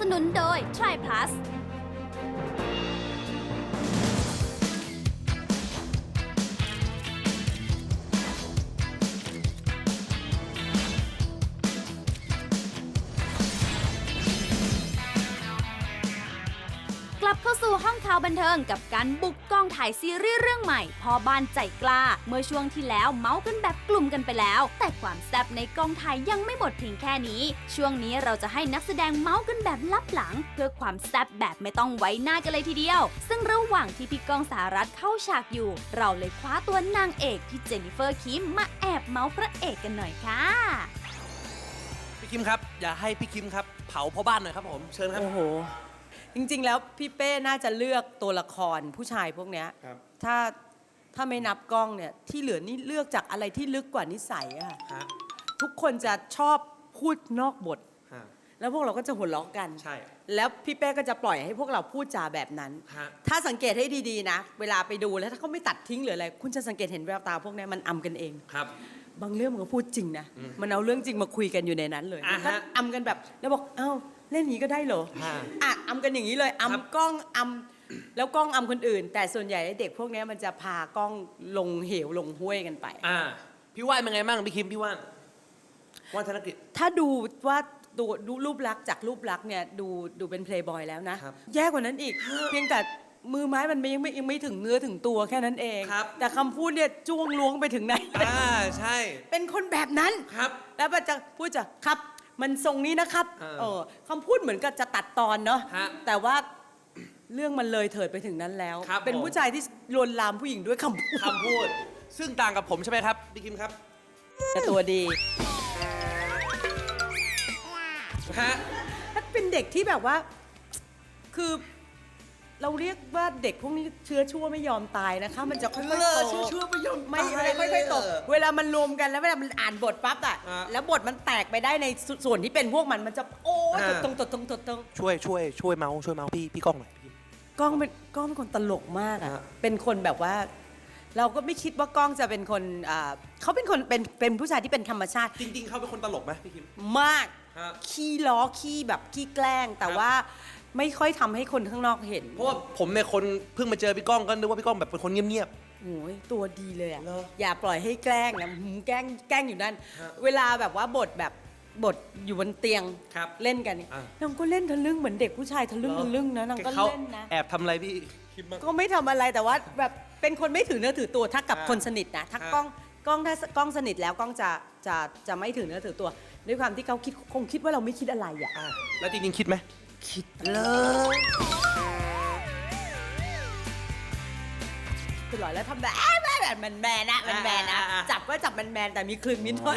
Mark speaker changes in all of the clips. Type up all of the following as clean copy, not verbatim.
Speaker 1: นุนโดย Try Plusกลับเข้าสู่ห้องข่าวบันเทิงกับการบุกกองถ่ายซีรีส์เรื่องใหม่พ่อบ้านใจกล้าเมื่อช่วงที่แล้วเมาส์กันแบบกลุ่มกันไปแล้วแต่ความแซ่บในกองถ่ายยังไม่หมดเพียงแค่นี้ช่วงนี้เราจะให้นักแสดงเมาส์กันแบบลับหลังเพื่อความแซ่บแบบไม่ต้องไว้หน้ากันเลยทีเดียวซึ่งระหว่างที่พี่ก้องสหรัฐเข้าฉากอยู่เราเลยคว้าตัวนางเอกพี่เจนนิเฟอร์คิมมาแอบเมาส์พระเอกกันหน่อยค่ะ
Speaker 2: พี่คิมครับอย่าให้พี่คิมครับเผาพ่อบ้านหน่อยครับผมเชิญครับ
Speaker 3: โอ้โห จริงๆ แล้วพี่เป้น่าจะเลือกตัวละครผู้ชายพวกเนี้ย
Speaker 2: ครับ
Speaker 3: ถ้าไม่นับกล้องเนี่ยที่เหลือนี่เลือกจากอะไรที่ลึกกว่านิสัยอะ
Speaker 2: ฮะ
Speaker 3: ทุกคนจะชอบพูดนอกบท
Speaker 2: ฮะ
Speaker 3: แล้วพวกเราก็จะหัวเราะกัน
Speaker 2: ใช่
Speaker 3: แล้วพี่เป้ก็จะปล่อยให้พวกเราพูดจาแบบนั้น
Speaker 2: ฮะ
Speaker 3: ถ้าสังเกตให้ดีๆนะ เวลาไปดูแล้วถ้าเขาไม่ตัดทิ้งหรืออะไร คุณจะสังเกตเห็นแววตาพวกเนี้ยมันอำกันเอง
Speaker 2: ครับ
Speaker 3: บางเรื่องมันก็พูดจริงนะ มันเอาเรื่องจริงมาคุยกันอยู่ในนั้นเลย
Speaker 2: อ่าฮะ
Speaker 3: ก็อำกันแบบแล้วบอกเอ้าเล่นอย่างนี้ก็ได้เหรอ
Speaker 2: ฮะ
Speaker 3: อ่ะอำกันอย่างนี้เลย
Speaker 2: ครับ
Speaker 3: อำกล้องอำแล้วกล้องอำคนอื่น แต่ส่วนใหญ่เด็กพวกเนี้ยมันจะพากล้องลงเหวลงห้วยกันไป
Speaker 2: พี่ว่านเป็นไงบ้างพี่คิมพี่ว่านว่านธนกิจ
Speaker 3: ถ้าดูว่าดูรูปลักษณ์จากรูปลักษณ์เนี่ยดูเป็นเพลย์บอยแล้วนะครับ แย่กว่านั้นอีก เพียงแต่มือไม้มันยังไม่ถึงเนื้อถึงตัวแค่นั้นเอง
Speaker 2: ครับ
Speaker 3: แต่คำพูดเนี่ยจ้วงล้วงไปถึงไหน
Speaker 2: ใช่
Speaker 3: เป็นคนแบบนั้น
Speaker 2: ครับ
Speaker 3: แล้วมันจะพูดจะครับ มันทรงนี้นะครับ คำพูดเหมือนกับจะตัดตอนเนาะ
Speaker 2: ฮะ
Speaker 3: แต่ว่าเรื่องมันเลยเถิดไปถึงนั้นแล้ว
Speaker 2: ครับ
Speaker 3: เป็น
Speaker 2: ผม
Speaker 3: ผู้ชายที่ลวนลามผู้หญิงด้วยคำพูด
Speaker 2: คำพูด ซึ่งต่างกับผมใช่ไหมครับพี่คิมครับ
Speaker 3: แต่ตัวดี
Speaker 2: ฮะ
Speaker 3: ถ้าเป็นเด็กที่แบบว่า คือเราเรียกว่าเด็กพวกนี้เชื้อชั่วไม่ยอมตายนะคะ มันจะค่อยๆโต
Speaker 2: ชั่วไม่ยอม
Speaker 3: ไม่ค่อยๆโตเวลามันรวมกันแล้วเวลามันอ่านบทปั๊บอะ
Speaker 2: อ่ะ
Speaker 3: แล้วบทมันแตกไปได้ในส่วนที่เป็นพวกมันจะโอ้ย
Speaker 2: อ่ะ
Speaker 3: ตรง
Speaker 2: ช่วยเมาส์พี่ก้องหน่อยพี่
Speaker 3: กล้องเป็นคนตลกมากอะ
Speaker 2: ฮะ
Speaker 3: เป็นคนแบบว่า เราก็ไม่คิดว่ากล้องจะเป็นคนเขาเป็นคนเป็นผู้ชายที่เป็นธรรมชาติ
Speaker 2: จริง ๆเขาเป็นคนตลกไหมพี่คิม
Speaker 3: มาก
Speaker 2: ฮะ
Speaker 3: ขี้ล้อขี้แบบขี้แกล้ง แต่
Speaker 2: ครับ
Speaker 3: ว่าไม่ค่อยทำให้คนข้างนอกเห็น
Speaker 2: เพราะว่าผมเนี่ยคนเพิ่งมาเจอพี่ก้องก็นึกว่าพี่ก้องแบบเป็นคนเงียบ
Speaker 3: โอ้ยตัวดีเลยอะ
Speaker 2: เหรอ
Speaker 3: อย่าปล่อยให้แกล้งนะแกล้งอยู่นั่น
Speaker 2: ฮะ
Speaker 3: เวลาแบบว่าบทอยู่บนเตียง
Speaker 2: ครับ
Speaker 3: เล่นกันเนี่ย
Speaker 2: อ่ะ
Speaker 3: นางก็เล่นทะลึ่งเหมือนเด็กผู้ชายทะลึ่ง
Speaker 2: เหรอ
Speaker 3: ทะลึ่งนะนางก็
Speaker 2: เขา
Speaker 3: เล่นนะ
Speaker 2: แอบทำอะไรพี่คิมบ้าง
Speaker 3: ก็ไม่ทำอะไรแต่ว่าแบบเป็นคนไม่ถือเนื้อถือตัวถ้ากับ
Speaker 2: อ่า
Speaker 3: คนสนิทนะถ้า
Speaker 2: อ่า
Speaker 3: กล้องถ้ากล้องสนิทแล้วกล้องจะไม่ถือเนื้อถือตัวด้วยความที่เขาคงคิดว่าเราไม่คิดอะไรอ่ะ
Speaker 2: แล้วจริงๆคิดไหม
Speaker 3: คิดเลยตลอดแล้วทำแบบมันแมนนะมันแมนนะ
Speaker 2: อ่า
Speaker 3: จับก็จับมันแมนแต่มีคลึงนิดหน่อย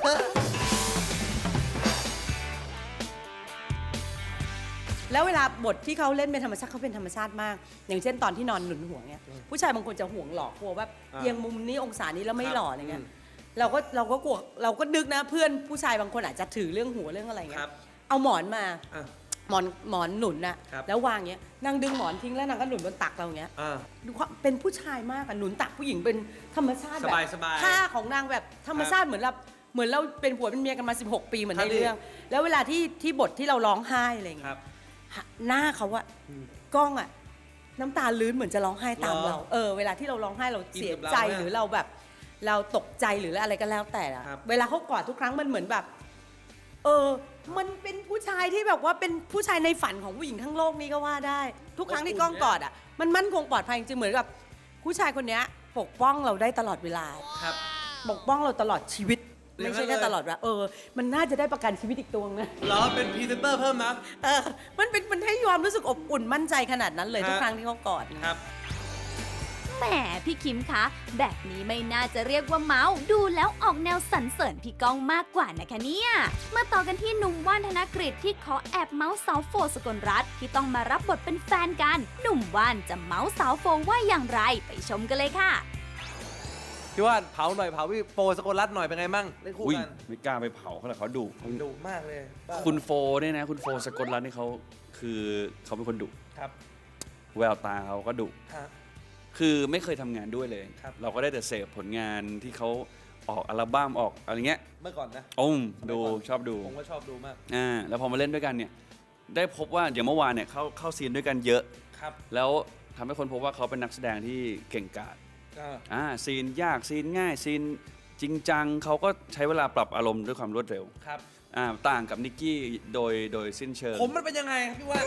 Speaker 3: แล้วเวลาบทที่เขาเล่นเป็นธรรมชาติเขาเป็นธรรมชาติมาก อย่างเช่นตอนที่นอนหนุนหัวเนี่ยผู้ชายบางคนจะห่วงหลอกกลัวว่าเอียงมุมนี้องศานี้แล้วไม่หล่ออะไรเงี้ยเราก็กลัวเราก็นึกนะเพื่อนผู้ชายบางคนอาจจะถือเรื่องหัวเรื่องอะไร
Speaker 2: ค
Speaker 3: เงี้
Speaker 2: รั
Speaker 3: ย
Speaker 2: บ
Speaker 3: เอาหมอนมา
Speaker 2: อ่ะ
Speaker 3: หมอนหนุนน่ะ
Speaker 2: ครับ
Speaker 3: แล้ววางเงี้ยนางดึงหมอนทิ้งแล้วนางก็หนุนบนตักเราเงี้ย
Speaker 2: อ่า
Speaker 3: ดูความเป็นผู้ชายมากอะหนุนตักผู้หญิงเป็นธรรมชาติแบบ
Speaker 2: สบายๆ
Speaker 3: ท่าของนางแบบธรรมชาติเหมือนเราเป็นผัวเป็นเมียกันมา 16 ปีเหมือน
Speaker 2: ครั
Speaker 3: ใน
Speaker 2: บ
Speaker 3: เรื่อง แล้วเวลาที่บทที่เราร้องไห้อะไร
Speaker 2: ค
Speaker 3: เงี้
Speaker 2: รั
Speaker 3: ย
Speaker 2: บ
Speaker 3: หน้าเขาอะกล้องอะน้ำตาลื้นเหมือนจะร้องไห้ตาม
Speaker 2: เหร
Speaker 3: เรา
Speaker 2: อ
Speaker 3: เวลาที่เราร้องไห้เรา
Speaker 2: อิน
Speaker 3: เสีย
Speaker 2: กับเรา
Speaker 3: ใจ
Speaker 2: มาก
Speaker 3: หรือเราแบบ เราตกใจหรืออะไรก็แล้วแต่อะ
Speaker 2: ครับ
Speaker 3: เวลาเขากอดทุกครั้งมันเหมือนแบบ มันเป็นผู้ชายที่แบบว่าเป็นผู้ชายในฝันของผู้หญิงทั้งโลกนี้ก็ว่าได้ ทุกครั้งที่กล้องกอดอ่ะมันมั่นคงปลอดภัยจริงๆเหมือนกับผู้ชายคนเนี้ยปกป้องเราได้ตลอดเวลา
Speaker 2: ครับ
Speaker 3: ปกป้องเราตลอดชีวิต
Speaker 2: อย่างนั้น
Speaker 3: ไม่ใช่แค่
Speaker 2: เลย
Speaker 3: ตลอดเวลามันน่าจะได้ประกันชีวิตอีกตัวนะ
Speaker 2: เหรอเป็นพรีเซนเตอร์เพิ่มนะ
Speaker 3: มันให้ความรู้สึกอบอุ่นมั่นใจขนาดนั้นเลย
Speaker 2: ฮะ
Speaker 3: ทุกครั้งที่เขากอดนะครับ
Speaker 1: แหมพี่คิมคะ แบบนี้ไม่น่าจะเรียกว่าเมาส์ดูแล้วออกแนวสรรเสริญพี่ก้องมากกว่านะคะเนี่ยมาต่อกันที่หนุ่มว่านธนกฤษที่ขอแอบเมาส์สาวโฟสกลรัตน์ที่ต้องมารับบทเป็นแฟนกัน หนุ่มว่านจะเมาส์สาวโฟว่าอย่างไรไปชมกันเลยค่ะ
Speaker 2: พี่ว่านเผาหน่อยเผาพี่โปสกลรัตน์หน่อยเป็นไงมั่งเล่นคู่
Speaker 4: อุ้ย
Speaker 2: กัน
Speaker 4: ไม่กล้าไปเผาเขาหรอกเขาดุ
Speaker 2: ดุมากเลยบ้า
Speaker 4: คุณโฟเนี่ยนะคุณโฟสกลรัตน์นี่เขาคือเขาเป็นคนดุ
Speaker 2: ครับ
Speaker 4: แววตาเขาก็ดุ
Speaker 2: ฮะ
Speaker 4: คือไม่เคยทำงานด้วยเลย
Speaker 2: ครับ
Speaker 4: เราก็ได้แต่เสพผลงานที่เขาออกอัลบั้มออกอะไรเงี้ย
Speaker 2: เมื่อก่อนนะ
Speaker 4: โอ้มดู
Speaker 2: เมื่อก่อน
Speaker 4: ชอบดู
Speaker 2: ผมก็ชอบดูมาก
Speaker 4: แล้วพอมาเล่นด้วยกันเนี่ยได้พบว่าอย่างเมื่อวานเนี่ยเข้าซีนด้วยกันเยอะ
Speaker 2: ครับ
Speaker 4: แล้วทำให้คนพบว่าเขาเป็นนักแสดงที่เก่งกาจซีนยากซีนง่ายซีนจริงจังเขาก็ใช้เวลาปรับอารมณ์ด้วยความรวดเร็ว
Speaker 2: ครับ
Speaker 4: ต่างกับนิกกี้โดยสิ้นเชิง
Speaker 2: ผมมันเป็นยังไงครับพี่ว่าน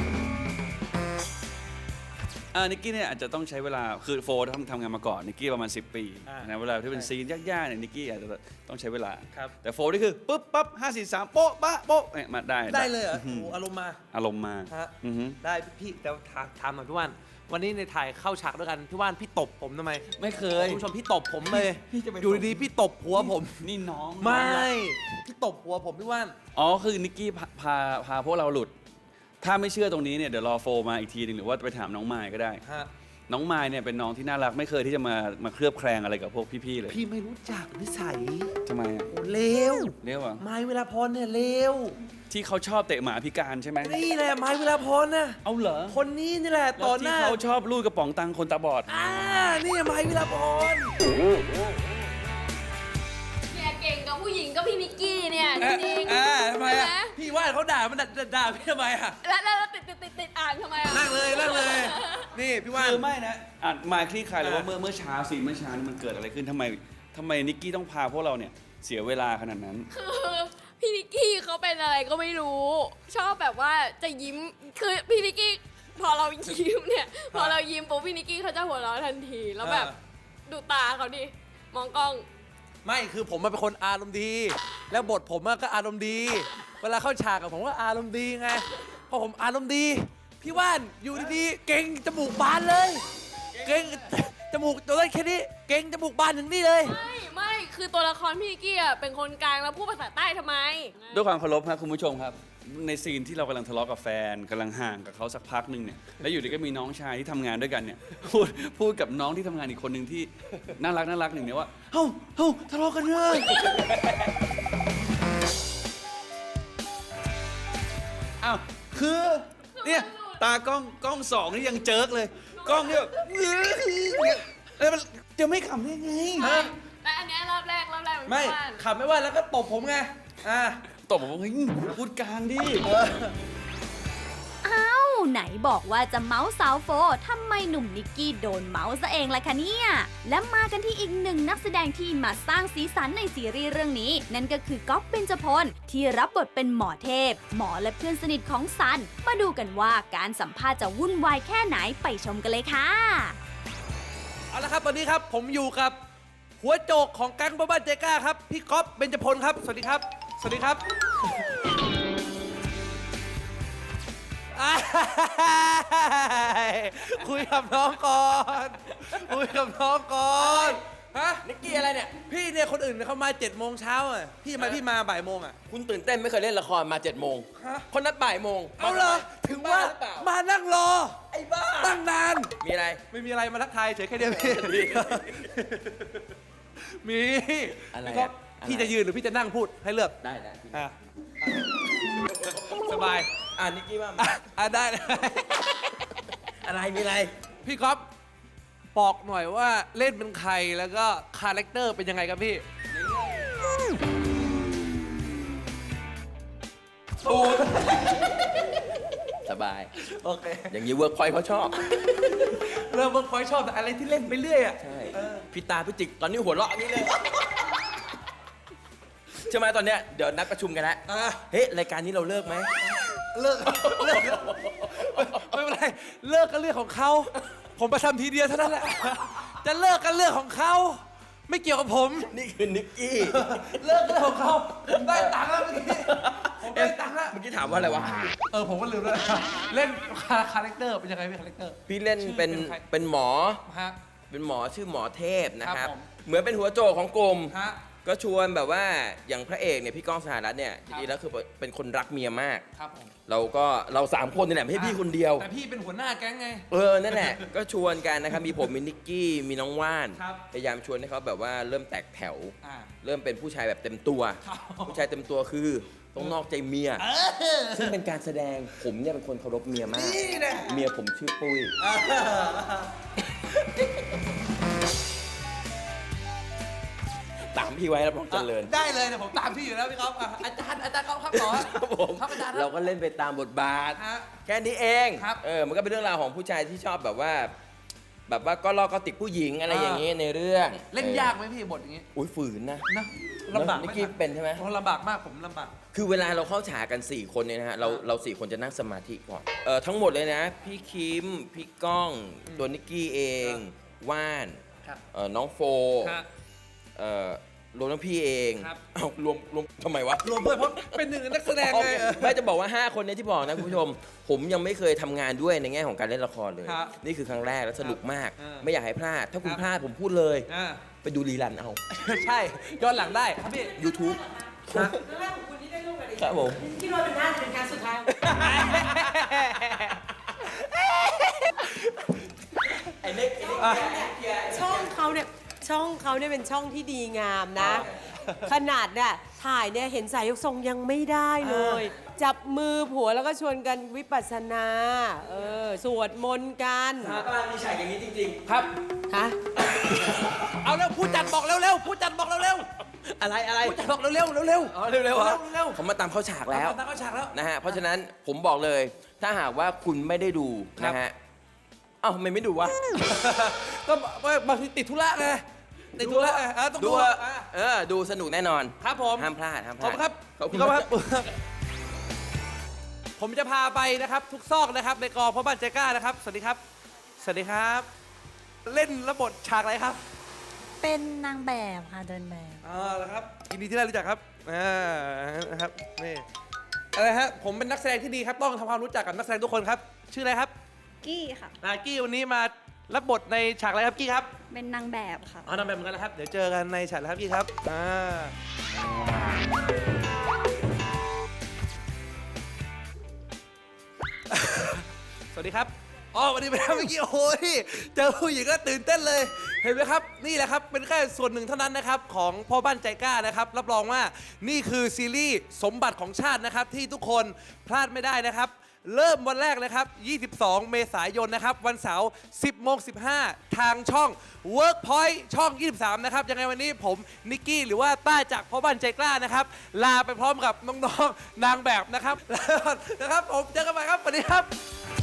Speaker 4: นิกกี้เนี่ยอาจจะต้องใช้เวลาคือโฟร์ทำงานมาก่อนนิกกี้ประมาณ10 ปีนะเวลาที่เป็นซีนยากๆเนี่ยนิกกี้อาจจะต้องใช้เวลา
Speaker 2: ครับ
Speaker 4: แต่โฟร์นี่คือปุ๊บปั๊บ5 4 3โป๊ะปะโป๊ะเนี่ยมาได้
Speaker 2: ได้เลยเหรอโอ้โหอารมณ์มา
Speaker 4: อารมณ์มา
Speaker 2: ฮะ
Speaker 4: อือฮึ
Speaker 2: ได้พี่แต่ถามหน่อยพี่ว่านวันนี้ในถ่ายเข้าฉากด้วยกันพี่ว่านพี่ตบผมทำไม
Speaker 4: ไม่เคย
Speaker 2: คุณผู้ชมพี่ตบผมเลย
Speaker 4: พี่จะไป
Speaker 2: อยู่ดีๆพี่ตบหัวผม
Speaker 4: นี่น้อง
Speaker 2: ไม่พี่ตบหัวผมพี่ว่าน
Speaker 4: อ๋อคือนิกกี้พาพวกเราหลุด ถ้าไม่เชื่อตรงนี้เนี่ยเดี๋ยวรอโฟร์มาอีกทีหนึงหรือว่าไปถามน้องมายก็ได้
Speaker 2: ฮะ
Speaker 4: น้องมายเนี่ยเป็นน้องที่น่ารักไม่เคยที่จะมาเคลือบแคลงอะไรกับพวกพี่ๆเลย
Speaker 2: พี่ไม่รู้จักนิสัย
Speaker 4: ทำไมอะ
Speaker 2: โอ้เลว
Speaker 4: เรียกว่า
Speaker 2: ไม้เวลาพรเนี่ยเลว
Speaker 4: ที่เขาชอบเตะหมาพิการใช่ไหม
Speaker 2: นี่แหละไม้เวลาพรนะ
Speaker 4: เอาเหรอ
Speaker 2: คนนี้นี่แหละ
Speaker 4: แล้ว
Speaker 2: ต่อห
Speaker 4: ที่
Speaker 2: น้า
Speaker 4: เขาชอบลูดกระป๋องตังค์คนตาบอด
Speaker 2: นี่ไม้เวลาพร
Speaker 5: เนี่ยเก่งกับผู้หญิงก็พี่นิกกี้เนี่ยจริง
Speaker 2: ทำไมอ่ะพี่ว่านเขาด่ามันด่าพี่ทำไมอ่ะ
Speaker 5: แล้วติดอ่านทำไมอ่ะ
Speaker 2: นั่งเลยนี่พี่ว่าน
Speaker 4: คือไม่นะมาคลี่คลายเลยว่า
Speaker 2: อ่ะ
Speaker 4: เมื่อเช้าสิเมื่อเช้านี่มันเกิดอะไรขึ้นทำไมนิกกี้ต้องพาพวกเราเนี่ยเสียเวลาขนาดนั้น
Speaker 5: คือพี่นิกกี้เขาเป็นอะไรก็ไม่รู้ ชอบแบบว่าจะยิ้มคือพี่นิกกี้พอเรายิ้มเนี่ยพอเรายิ้มปุ๊บพี่นิกกี้เขาจะหัวเราะทันทีแล้วแบบดูตาเขาดิมองกล้อง
Speaker 2: ไม่คือผมเป็นคนอารมณ์ดี แล้วบทผมก็อารมณ์ดี เวลาเข้าฉากกับผมก็อารมณ์ดีไงพอผมอารมณ์ดี พี่ว่านอยู่ดีๆเก่งจมูกบานเลย เก่งจมูกตัวเล็กแค่นี้เก่งจมูกบานถึงนี่เลย
Speaker 5: ไม่คือตัวละครพี่นิกกี้อ่ะเป็นคนกลางแล้วพูดภาษาใต้ทำไม
Speaker 4: ด้วยความเคารพครับคุณผู้ชมครับ ในซีนที่เรากำลังทะเลาะกับแฟนกำลังห่างกับเขาสักพักหนึ่งเนี่ยแล้วอยู่ดีก็มีน้องชายที่ทำงานด้วยกันเนี่ยพูดกับน้องที่ทำงานอีกคนหนึ่งที่น่ารักหนึ่งเนี่ยว่าเฮ้าทะเลาะกันเลยอ้าวคือเนี่ยตากล้องสองนี่ยังเจิกเลยกล้องเนี่ยแล้วมันจะไม่ขำได้ไง
Speaker 5: แต่อันเนี้ยรอบแรกมัน
Speaker 2: ไม่
Speaker 5: พี่ว่าน
Speaker 2: ขับไม่ว่าแล้วก็ตบผมไง
Speaker 4: ตบบอกว่าเฮ้ยพูดกลางดิ
Speaker 1: อ้าวไหนบอกว่าจะเมาส์สาวโฟทำไมหนุ่มนิกกี้โดนเมาส์ซะเองล่ะคะเนี่ย และมากันที่อีกหนึ่งนักแสดงที่มาสร้างสีสันในซีรีส์เรื่องนี้ นั่นก็คือก๊อฟเบญจพลที่รับบทเป็นหมอเทพ หมอและเพื่อนสนิทของซัน มาดูกันว่าการสัมภาษณ์จะวุ่นวายแค่ไหนไปชมกันเลยค่ะ
Speaker 2: เอาละครับตอนนี้ครับผมอยู่กับหัวโจกของแก๊งบ้านใจกล้าครับพี่ก๊อฟเบญจพลครับสวัสดีครับสวัสดีครับ คุยกับน้องก่อนคุยกับน้องก่อนฮะ
Speaker 6: นิกกี้อะไรเนี่ย
Speaker 2: พี่เนี่ยคนอื่นเขามา7 โมงเช้าอ่ะพี่มาบ่ายโมงอ่ะ
Speaker 6: คุณตื่นเต้นไม่เคยเล่นละครมา7 โมง
Speaker 2: ฮะ
Speaker 6: คนนัดบ่ายโมง
Speaker 2: เอาเหรอถึงว่า
Speaker 6: หรือเปล่า
Speaker 2: มานั่งรอ
Speaker 6: ไอ้บ้า
Speaker 2: ตั้งนาน
Speaker 6: มีอะไร
Speaker 2: ไม่มีอะไรมาทักทายเฉยแค่เดียวพี่มี
Speaker 6: อะไร
Speaker 2: พี่ก๊อฟ
Speaker 6: อะไร
Speaker 2: พี่จะยืนหรือพี่จะนั่งพูดให้เลือก
Speaker 6: ได้ได้
Speaker 2: อ่ะสบาย
Speaker 6: นิกกี้ว่า
Speaker 2: ได้
Speaker 6: อะไรมีอะไร
Speaker 2: พี่ก๊อฟบอกหน่อยว่าเล่นเป็นใครแล้วก็คาแรคเตอร์เป็นยังไงครับพี่
Speaker 6: สบาย
Speaker 2: โอเค
Speaker 6: อย่างนี้เวิร์กพอยเขาชอบ
Speaker 2: เริ่มเพิ่งคอยชอบแต่อะไรที่เล่นไปเรื่อยอ่ะ
Speaker 6: ใช่พี่ตาพี่จิกตอนนี้หัวเราะอย่างนี้เลยใช่ไหมตอนเนี้ยเดี๋ยวนัดประชุมกันแล้ว
Speaker 2: อ่ะ
Speaker 6: เฮ้ยรายการนี้เราเลิกไหม
Speaker 2: เลิกไม่เป็นไรเลิกกันเรื่องของเขาผมไปทำทีเดียวเท่านั้นแหละจะเลิกกันเรื่องของเขาไม่เกี่ยวกับผม
Speaker 6: นี่คือนิกกี้
Speaker 2: เลิกกันเรื่องของเขาผมได้ตังค์แล้วเมื่อกี้ผมได้ตังค์แล้ว
Speaker 6: เมื่อกี้ถามว่าอะไรวะ
Speaker 2: ผมก็ลืมแล้วเล่นคาแรคเตอร์เป็นยังไงพี่คาแรคเตอร์
Speaker 6: พี่เล่นเป็น
Speaker 2: ชื่อเป็นใคร
Speaker 6: เป็นหมอ
Speaker 2: ฮะ
Speaker 6: เป็นหมอชื่อหมอเทพนะครับ
Speaker 2: ครับผม
Speaker 6: เหมือนเป็นหัวโจกของกลุ่ม
Speaker 2: ฮะ
Speaker 6: ก็ชวนแบบว่าอย่างพระเอกเนี่ยพี่ก้องสหรัฐเนี่ยจริงๆแล้วคือเป็นคนรักเมียมาก
Speaker 2: ครับผม
Speaker 6: เรา3 คนนี่แหละไม่ใช่พี่คนเดียว
Speaker 2: แต่พี่เป็นหัวหน้าแก๊งไง
Speaker 6: นั่นแหละ ก็ชวนกันนะครับ มีผมมีนิกกี้มีน้องว่าน
Speaker 2: ครับ
Speaker 6: พยายามชวนให้เขาแบบว่าเริ่มแตกแถว
Speaker 2: อ่า
Speaker 6: เริ่มเป็นผู้ชายแบบเต็มตัว
Speaker 2: ครับ
Speaker 6: ผู้ชายเต็มตัวคือต้องนอกใจเมีย ซึ่งเป็นการแสดงผมเนี่ยเป็นคนเคารพเมียมาก
Speaker 2: นี่แหละ
Speaker 6: เมียผมชื่อปุ้ย
Speaker 2: แ
Speaker 6: ตามพี่ไว้รับรองเจริญ
Speaker 2: ได้เลยเนี่ยผมตามพี่อยู่แล้วพี่ก๊อฟอ่ะอาจารย์ครับต่อ
Speaker 6: ครับผม
Speaker 2: ครับอาจารย์ค
Speaker 6: เรา
Speaker 2: รับ
Speaker 6: ก็เล่นไปตามบทบาท
Speaker 2: ฮะ
Speaker 6: แค่นี้เอง
Speaker 2: ครับ
Speaker 6: มันก็เป็นเรื่องราวของผู้ชายที่ชอบแบบว่าก็ลอกก็ติดผู้หญิงอะไรอย่างนี้ในเรื่อง
Speaker 2: เล่นยากไหมพี่บทอย่างงี้
Speaker 6: อุ้ยฝืนนะ
Speaker 2: นะลำบากไหม
Speaker 6: นิกกี้เป็นใช่ไหม
Speaker 2: ผมลำบากมากผมลำบาก
Speaker 6: คือเวลาเราเข้าฉากกัน 4 คนเนี่ยนะฮะเรา4 คนจะนั่งสมาธิก่อนทั้งหมดเลยนะ พี่คิม พี่ก้อง ตัวนิกกี้เอง ว่าน
Speaker 2: ครับ
Speaker 6: น้องโฟ
Speaker 2: ครับ
Speaker 6: รวมทั้งพี่เอง
Speaker 2: ครับ
Speaker 6: เอ้ารวมทำไมวะ
Speaker 2: รวมด้วยเพราะเป็นหนึ่งในนักแสดง
Speaker 6: โอ
Speaker 2: ไง
Speaker 6: เคไม่จะบอกว่า 5 คนเนี้ที่บอกนะคุณผู้ชม ผมยังไม่เคยทำงานด้วยในแง่ของการเล่นละครเลย
Speaker 2: ครับ
Speaker 6: นี่คือครั้งแรกและสนุกมาก
Speaker 2: อ่า
Speaker 6: ไม่อยากให้พลาด ถ้าคุณ
Speaker 2: ครับ
Speaker 6: พลาดผมพูดเลย
Speaker 2: อ่า
Speaker 6: ไปดูรีรันเอา
Speaker 2: ใช่ย้อนหลังได้ครับพี่
Speaker 6: YouTube
Speaker 3: ครั้งแรกของคุณที่ได้ร่วมกับดิฉัน
Speaker 6: ครับผม
Speaker 3: คิดว่าเป็นน่าจะเป็นครั้งสุดท้าย
Speaker 6: ไอ้เล็ก
Speaker 3: ช่องเขาเนี่ยเป็นช่องที่ดีงามนะ ขนาดเนี่ยถ่ายเนี่ยเห็นสายยกทรงยังไม่ได้เลย จับมือผัวแล้วก็ชวนกันวิปัสสนาสวดมนต์กัน
Speaker 6: มีฉากอย่างนี้จริง
Speaker 2: ครับ
Speaker 3: ฮะ
Speaker 2: เอาเร็วผู้จัดบอกเร็วๆผู้จัดบอกเร็ว
Speaker 6: ๆ อะไร
Speaker 2: ๆผู้จัดบอกเร็วๆเร็วๆ
Speaker 6: อ๋อเร็วๆเหรอ
Speaker 2: เร็ว
Speaker 6: ผมมาตามเข้าฉาก
Speaker 2: ๆ
Speaker 6: แล้ว
Speaker 2: ตั้งเข้าฉากแล้ว
Speaker 6: นะฮะ เพราะฉะนั้นผมบอกเลย ถ้าหากว่าคุณไม่ได้ดู
Speaker 2: ครับ
Speaker 6: นะฮะ เอ้าทำไมไม่ดูวะ
Speaker 2: ก็บางทีติดธุระไงติดธุระไงต้อง
Speaker 6: ดู
Speaker 2: ดู
Speaker 6: อะ
Speaker 2: อ่ะ
Speaker 6: ดูสนุกแน่นอน
Speaker 2: ครับผม
Speaker 6: ห้ามพลาด ห้ามพ
Speaker 2: ขอ
Speaker 6: ลา
Speaker 2: บ
Speaker 6: ด
Speaker 2: คุณครับ
Speaker 6: ขอบคุณ
Speaker 2: พี่ก๊
Speaker 6: ค
Speaker 2: ฟ
Speaker 6: รับ
Speaker 2: ผมจะพาไปนะครับ ทุกซอกนะครับในกองพ่อบ้านใจกล้านะครับ สวัสดีครับ สวัสดีครับ เล่นระบทฉากอะไรครับ
Speaker 7: เป็นนางแบบค่ะเดินแบบ
Speaker 2: แล้วครับยินดีที่ได้รู้จักครับนะครับนี่อะไรฮะผมเป็นนักแสดงที่ดีครับต้องทำความรู้จักกับนักแสดงทุกคนครับ ชื่ออะไรครับ
Speaker 1: กี้ค่ะ
Speaker 2: กี้วันนี้มารับบทในฉากอะไรครับกี้ครับ
Speaker 1: เป็นนางแบบค่ะ
Speaker 2: นำแบบเหมือนกันนะครับ เดี๋ยวเจอกันในฉากแล้วครับกี้ครับสวัสดีครับวันนี้ไปทำเมื่อกี้โอ้ยเจอผู้หญิงก็ตื่นเต้นเลย เห็นไหมครับ นี่แหละครับ เป็นแค่ส่วนหนึ่งเท่านั้นนะครับ ของพ่อบ้านใจกล้านะครับ รับรองว่านี่คือซีรีส์สมบัติของชาตินะครับ ที่ทุกคนพลาดไม่ได้นะครับ เริ่มวันแรกนะครับ 22 เมษายนนะครับ วันเสาร์ 10:15 ทางช่อง Workpoint ช่อง 23 นะครับ ยังไงวันนี้ผมนิกกี้หรือว่าต้าจากพ่อบ้านใจกล้านะครับ ลาไปพร้อมกับน้องๆ นางแบบนะครับ นะครับ ผมเจอกันใหม่ครับ สวัสดีครับ